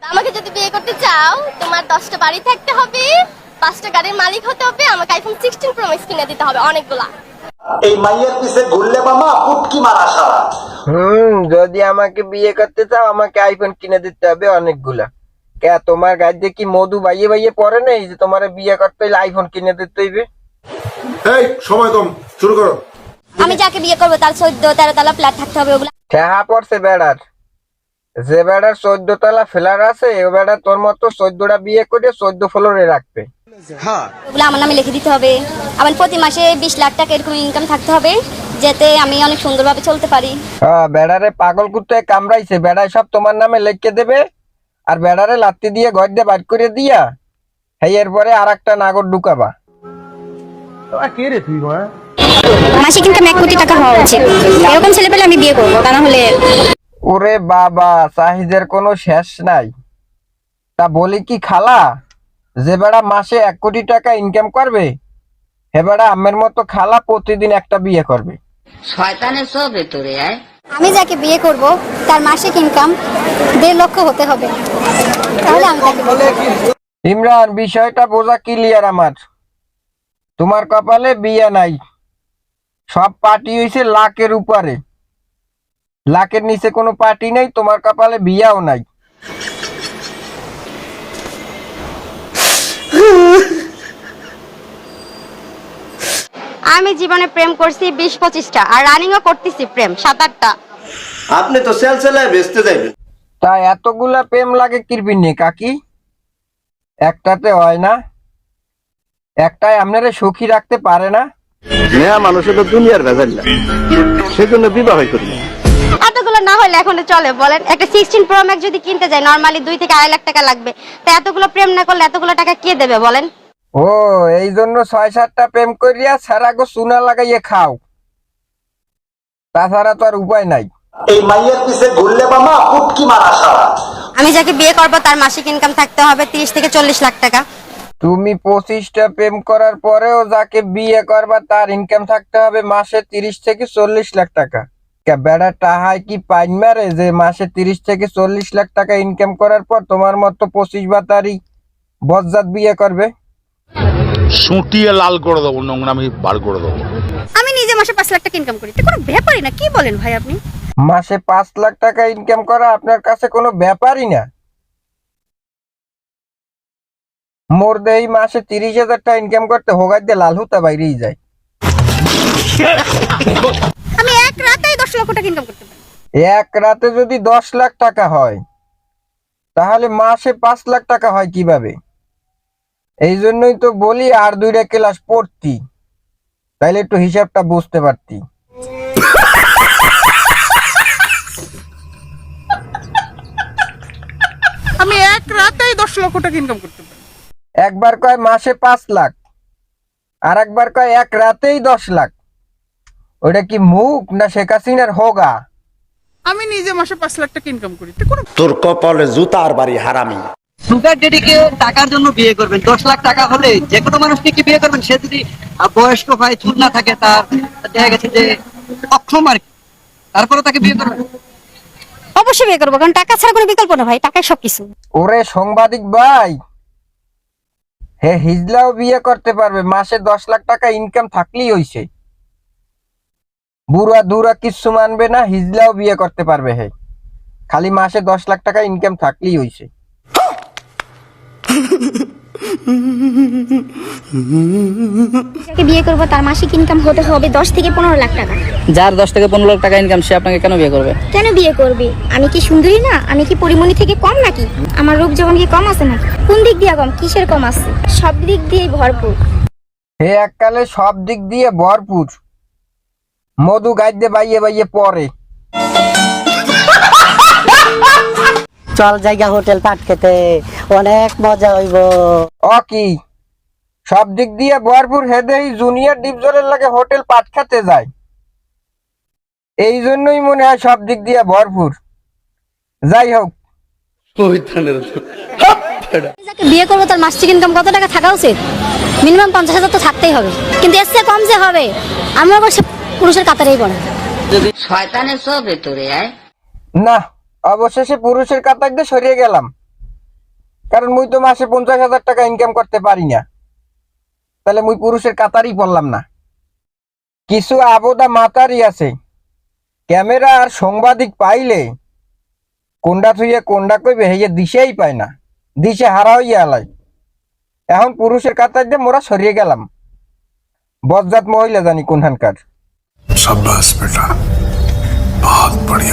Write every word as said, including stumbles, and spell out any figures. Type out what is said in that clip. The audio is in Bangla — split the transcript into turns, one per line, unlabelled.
আমাকে যদি বিয়ে করতে চাও তোমার দশটা বাড়ি থাকতে হবে, পাঁচটা গাড়ির মালিক হতে হবে, আমাকে আইফোন সিক্সটিন প্রো ম্যাক্স কিনে দিতে হবে অনেকগুলা।
এই মাইয়ের পিছে ঘুরলে মামা পুটকি মারা সারা।
হুম যদি আমাকে বিয়ে করতে চাও আমাকে আইফোন কিনে দিতে হবে অনেকগুলা। কে তোমার গাড়িতে কি মধু বাইয়ে বাইয়ে পড়ে নেই যে তোমার বিয়ে করতে হইলে আইফোন কিনে দিতে হইবে?
এই সময় কম, শুরু করো।
আমি যাকে বিয়ে করবো তার চোদ্দ তেরো তলা ফ্ল্যাট থাকতে হবে ওগুলা।
ঠেহা পড়ছে বেড়ার, যে বেড়ার চোদ্দ তলা ফ্ল্যাট আছে ও বেড়া তোর মতো চোদ্দটা বিয়ে করে চোদ্দ ফ্লোরে রাখবে।
ওগুলো আমার নামে লিখে দিতে হবে। আমার প্রতি মাসে বিশ লাখ টাকা এরকম ইনকাম থাকতে হবে, যাতে আমি অনেক সুন্দরভাবে চলতে পারি।
হ্যাঁ বেড়ারে পাগল কুত্তায় কামড়াইছে, বেড়ায় সব তোমার নামে লিখে দেবে আর বেড়ারে লাত্তি দিয়ে ঘর দিয়ে বাইর করে দিয়া হ্যাঁ এরপরে আর একটা নাগর ঢুকাবা।
মাসিক ইনকাম এক কোটি টাকা হওয়া উচিত, এরকম ছেলে পেলে আমি বিয়ে করবো, তা না হলে।
ওরে বাবা চাহিদার কোনো শেষ নাই। তা বলি কি খালা, যে বেড়া মাসে এক কোটি টাকা ইনকাম করবে হে বেড়া আমের মতো খালা প্রতিদিন একটা বিয়ে করবে।
শয়তানের সব ভেতরে আয়।
আমি যাকে বিয়ে করব তার মাসিক ইনকাম দেড় লক্ষ হতে হবে, তাহলে আমি তাকে বিয়ে করব।
ইমরান বিষয়টা বোঝা ক্লিয়ার আমার। তোমার কপালে বিয়ে নাই, সব পার্টি হইছে লাখের উপরে, লাখের নিচে কোনো পার্টি নেই, তোমার কপালে বিয়াও নাই।
আমি জীবনে প্রেম করছি বিশ পঁচিশটা আর রানিংও করতেছি প্রেম সাত আটটা।
আপনি তো সেল সেলায় বেচতে যাইবেন।
তা এতগুলা প্রেম লাগে কিরবিন নে কাকি? একটাতে হয় না, একটাই আপনারা সুখী রাখতে পারে না।
মেয়া মানুষের তো দুনিয়ার ভেজাল না, সেজন্য বিবাহ করি না।
এতগুলো না হলে এখন চলে বলেন? একটা সিক্সটিন প্রো ম্যাক্স যদি কিনতে যায় নরমালি দুই থেকে আড়াই লাখ টাকা লাগবে, তা এতগুলো প্রেম না করলে এতগুলো টাকা কে দেবে বলেন?
ও এই জন্য ছয় সাতটা প্রেম করিয়া সারা গো চুনা লাগাইয়ে খাও, তাছাড়া তো আর উপায় নাই।
এই মাইয়ের পিছে ঘুরলে মামা পুটকি মারা সারা।
আমি যাকে বিয়ে করবো তার মাসিক ইনকাম থাকতে হবে তিরিশ থেকে চল্লিশ লাখ টাকা।
তুমি পঁচিশটা প্রেম করার পরেও যাকে বিয়ে করবা তার ইনকাম থাকতে হবে মাসে তিরিশ থেকে চল্লিশ লাখ টাকা। বেড়া টাহাই কি পাইন মারে যে মাসে তিরিশ থেকে চল্লিশ লাখ টাকা ইনকাম করার পর তোমার মতো পঁচিশ বাতারি বজ্জাত বিয়ে করবে?
সুটিয়ে লাল করে দেবো, নোংরামি বার করে দেবো।
আমি নিজে মাসে পাঁচ লাখ টাকা ইনকাম করি, এটা কোনো ব্যাপারই না। কি বলেন ভাই আপনি?
মাসে পাঁচ লাখ টাকা ইনকাম করা আপনার কাছে কোনো ব্যাপারই না। মোর দেই মাসে তিরিশ হাজার টাকা ইনকাম করতে হোগার দিয়ে লাল হুতা বাইরেই যায়।
আমি এক রাতেই দশ লক্ষ টাকা ইনকাম করতে পারি।
এক রাতে যদি দশ লাখ টাকা হয় তাহলে মাসে পাঁচ লাখ টাকা হয় কিভাবে? এই জন্যই তো বলি আর দুইটা ক্লাস পড়তি, তাইলে একটু হিসাবটা বুঝতে পারতি।
আমি এক রাতেই দশ লক্ষ টাকা ইনকাম করতে পারি।
একবার কয় মাসে পাঁচ লাখ আর একবার কয় এক রাতেই দশ লাখ। ওটা কি মুখ না শেখ হাসিনার হোগা?
আমি নিজে মাসে পাঁচ লাখ টাকা ইনকাম করি,
তোর কপালে জুতার বাড়ি হারামি।
সুগার ডেডিকে টাকার জন্য বিয়ে করবেন, দশ লাখ টাকা হলে যে কোনো মানুষকে কি বিয়ে করবেন? সে যদি বয়স্ক হয়, চুল না থাকে, তার দেখা গেছে যে অক্ষম আর কি, তারপরে তাকে বিয়ে করবেন?
অবশ্যই বিয়ে করবো, কারণ টাকা ছাড়া কোনো বিকল্প না ভাই, টাকাই সবকিছু।
ওরে সাংবাদিক ভাই, হে হিজলাও বিয়ে করতে পারবে, মাসে দশ লাখ টাকা ইনকাম থাকলেই হইছে। বুড়া দুরা কিচ্ছু মানবে না, হিজলাও বিয়ে করতে পারবে। হে খালি মাসে দশ লাখ টাকা ইনকাম থাকলেই হইছে।
যাকে বিয়ে করবো তার মাসিক ইনকাম হতে হবে দশ থেকে পনেরো লাখ টাকা।
যার দশ থেকে পনেরো লাখ টাকা ইনকাম সে আপনাকে কেন বিয়ে করবে?
কেন বিয়ে করবে? আমি কি সুন্দরী না? আমি কি পরিমণি থেকে কম নাকি? আমার রূপ যখন কি কম আছে নাকি? কোন দিক দিয়ে কম? কিসের কম আছে? সব দিক দিয়ে ভরপুর।
হে এককালে সব দিক দিয়ে ভরপুর, মধু গাইতে বাইয়ে বাইয়ে পরে।
চল জায়গা হোটেল পাট খেতে, অনেক মজা হইব।
ও কি সব দিক দিয়ে ভরপুর? হেদেই জুনিয়র ডিপজলের লাগে হোটেল পাট খেতে যায়, এই জন্যই মনে হয় সব দিক দিয়ে ভরপুর। যাই হোক,
যাকে বিয়ে করবো তার মাসিক ইনকাম কত টাকা থাকা উচিত? মিনিমাম পঞ্চাশ হাজার তো থাকতেই হবে, কিন্তু এর চেয়ে কম যে হবে আমি আবার পুরুষের কাতারেই পড়ে।
শয়তানের সব ভেতরে আয়।
না অবশেষে পুরুষের কাতার দিয়ে সরিয়ে গেলাম। কারণ মুই তো মাসে পঞ্চাশ হাজার টাকা ইনকাম করতে পারি না, তাহলে মুই পুরুষের কাতারই পড়লাম না। কিছু আবোদা মাতারি আছে, ক্যামেরা আর সাংবাদিক পাইলে কোনটা থুইয়ে কোনটা কইবে হেয়ে দিশেই পায় না, দিশে হারা হইয়া আলাই। এখন পুরুষের কাতার দিয়ে মোরা সরিয়ে গেলাম, বজ্জাত মহিলা জানি কোনখানকার।
शाबाश बेटा, बहुत बढ़िया।